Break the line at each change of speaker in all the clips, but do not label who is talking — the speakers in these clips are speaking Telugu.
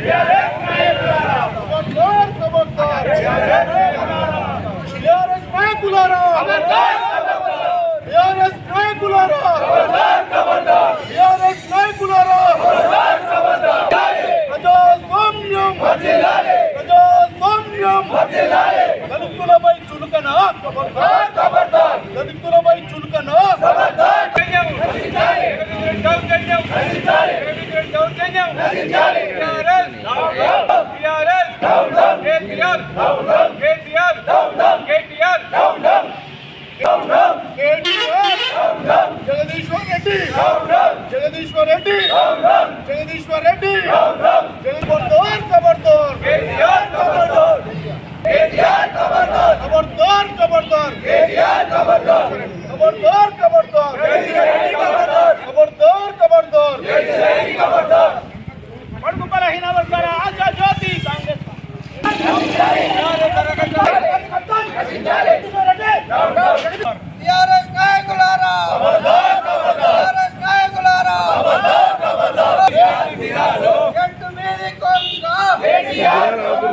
దళితులపై చులకన దళితులపై చులకన జగదీశ్వర్ రెడ్డి జగదీశ్వర్ రెడ్డి జగదీశ్వర్ రెడ్డి ఖబర్దార్ ఖబర్దార్ खबरदार खबरदार खबरदार खबरदार खबरदार खबरदार खबरदार बड़कु बलहीन वर्गाల ఆశా జ్యోతి కాంగ్రెస్ టిఆర్ఎస్ నాయకులారా ఖబర్దార్ ఖబర్దార్ టిఆర్ఎస్ నాయకులారా ఖబర్దార్ ఖబర్దార్ గట్టు మీది కొంగ కేటీఆర్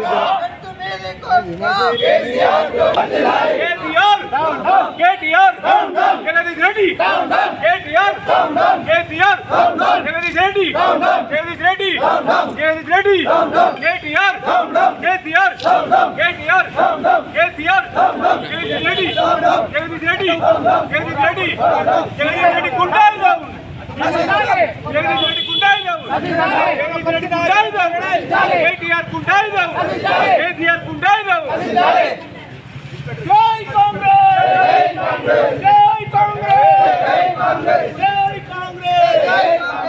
జగదీష్ రెడ్డి కేటీఆర్ కేసీఆర్ జగదీష్ రెడ్డి జగదీష్ రెడ్డి జగదీష్ రెడ్డి కేటీఆర్ కేసీఆర్ కేటీఆర్ కేసీఆర్ జగదీష్ రెడ్డి జగదీష్ రెడ్డి జగదీష్ రెడ్డి జగదీష్ రెడ్డి గుండాయిజం జగదీష్ రెడ్డి గుండాయిజం జగదీష్ రెడ్డి గుండాయిజం కేటీఆర్ గుండాయిజం కేసీఆర్ గుండాయిజం జై కాంగ్రెస్ జై కాంగ్రెస్ జై కాంగ్రెస్ జై కాంగ్రెస్ జై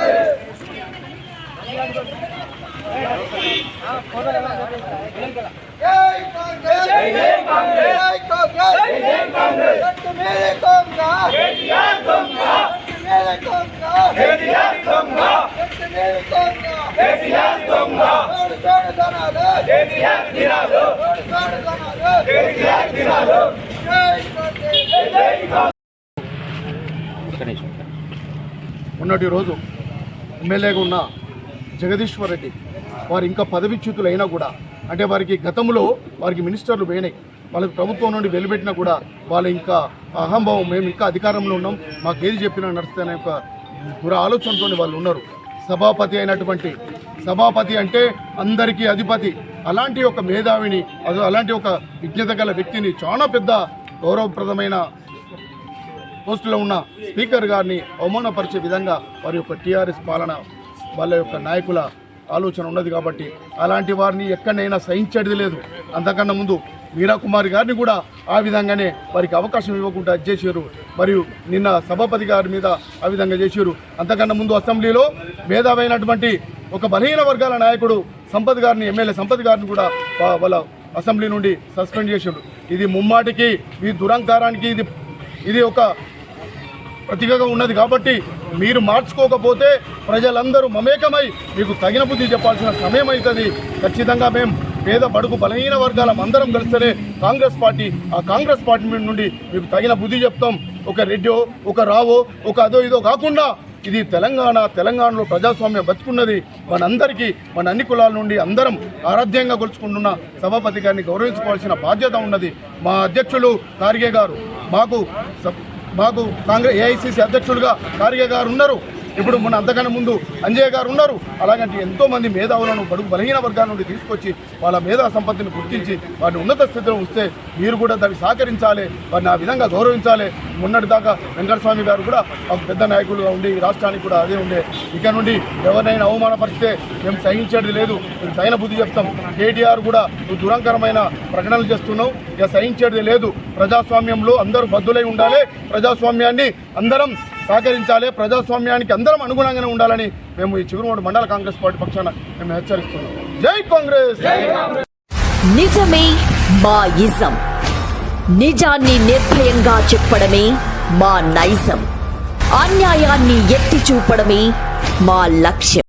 కాంగ్రెస్ జై కాంగ్రెస్ జై కాంగ్రెస్ జై కాంగ్రెస్ గట్టు మేరే కొంగ కేటీఆర్ కొంగ గట్టు మేరే కొంగ కేటీఆర్ కొంగ గట్టు మేరే కొంగ కేటీఆర్ కొంగ సోడు దనాలు కేటీఆర్ దినాలు సోడు దనాలు కేటీఆర్ దినాలు జై కాంగ్రెస్ జై కాంగ్రెస్
మొన్నటి రోజు ఎమ్మెల్యేగా ఉన్న జగదీశ్వర్ రెడ్డి వారు ఇంకా పదవిచ్యుతులు అయినా కూడా అంటే వారికి గతంలో వారికి మినిస్టర్లు పోయినాయి, వాళ్ళకి ప్రభుత్వం నుండి వెలువెట్టినా కూడా వాళ్ళు ఇంకా అహంభావం, మేము ఇంకా అధికారంలో ఉన్నాం, మాకు ఏది చెప్పినా నడుస్తాయనే ఒక దుర ఆలోచనతో వాళ్ళు ఉన్నారు. సభాపతి అంటే అందరికీ అధిపతి. అలాంటి ఒక మేధావిని, అలాంటి ఒక విజ్ఞత గల వ్యక్తిని, చాలా పెద్ద గౌరవప్రదమైన పోస్టులో ఉన్న స్పీకర్ గారిని అవమానపరిచే విధంగా వారి యొక్క టీఆర్ఎస్ పాలన, వాళ్ళ యొక్క నాయకుల ఆలోచన ఉన్నది. కాబట్టి అలాంటి వారిని ఎక్కడైనా సహించేది లేదు. అంతకన్నా ముందు మీరా కుమార్ గారిని కూడా ఆ విధంగానే వారికి అవకాశం ఇవ్వకుండా చేశారు. మరియు నిన్న సభాపతి గారి మీద ఆ విధంగా చేశారు. అంతకన్నా ముందు అసెంబ్లీలో మేధావైనటువంటి ఒక బలహీన వర్గాల నాయకుడు సంపత్ గారిని, ఎమ్మెల్యే సంపత్ గారిని కూడా వాళ్ళ అసెంబ్లీ నుండి సస్పెండ్ చేశారు. ఇది ముమ్మాటికి ఈ దురంకారానికి ఇది ఒక ప్రతిగా ఉన్నది. కాబట్టి మీరు మార్చుకోకపోతే ప్రజలందరూ మమేకమై మీకు తగిన బుద్ధి చెప్పాల్సిన సమయం అవుతుంది. ఖచ్చితంగా మేము పేద బడుగు బలహీన వర్గాల అందరం కలిస్తేనే కాంగ్రెస్ పార్టీ, ఆ కాంగ్రెస్ పార్టీ నుండి మీకు తగిన బుద్ధి చెప్తాం. ఒక రెడ్డో, ఒక రావో, ఒక అదో ఇదో కాకుండా ఇది తెలంగాణలో ప్రజాస్వామ్యం బతుకున్నది. మనందరికీ, మన అన్ని కులాల నుండి అందరం ఆరాధ్యంగా కొలుచుకుంటున్న సభాపతి గారిని గౌరవించుకోవాల్సిన బాధ్యత ఉన్నది. మా అధ్యక్షులు ఖార్గే గారు, మాకు కాంగ్రెస్ ఏఐసిసి అధ్యక్షులుగా ఖార్గే గారు ఉన్నారు. ఇప్పుడు మన అంతకన్నా ముందు అంజయ్య గారు ఉన్నారు. అలాగంటే ఎంతోమంది మేధావులను బడుగు బలహీన వర్గాల నుండి తీసుకొచ్చి వాళ్ళ మేధా సంపత్తిని గుర్తించి వారిని ఉన్నత స్థితిలో ఉంచితే మీరు కూడా దాన్ని సహకరించాలి, వారిని ఆ విధంగా గౌరవించాలి. మొన్నటి దాకా వెంకటస్వామి గారు కూడా ఒక పెద్ద నాయకులుగా ఉండి రాష్ట్రానికి కూడా అదే ఉండే. ఇక నుండి ఎవరినైనా అవమానపరిస్తే మేము సహించేది లేదు, మేము తగిన బుద్ధి చెప్తాం. కేటీఆర్ కూడా దురంకరమైన ప్రకటనలు చేస్తున్నాం, ఇక సహించేది లేదు. ప్రజాస్వామ్యంలో అందరూ బద్దులై ఉండాలి, ప్రజాస్వామ్యాన్ని అందరం సహకరించాలి, ప్రజాస్వామ్యానికి అందరం అనుగుణంగానే ఉండాలని మేము ఈ చిగురుమూడు మండల కాంగ్రెస్ పార్టీ పక్షాన మేము హెచ్చరిస్తున్నాం. జై కాంగ్రెస్.
నిజమే మా ఇజం, నిజాన్ని నిర్భయంగా చెప్పడమే మా నైజం, అన్యాయాన్ని ఎత్తి చూపడమే మా లక్ష్యం.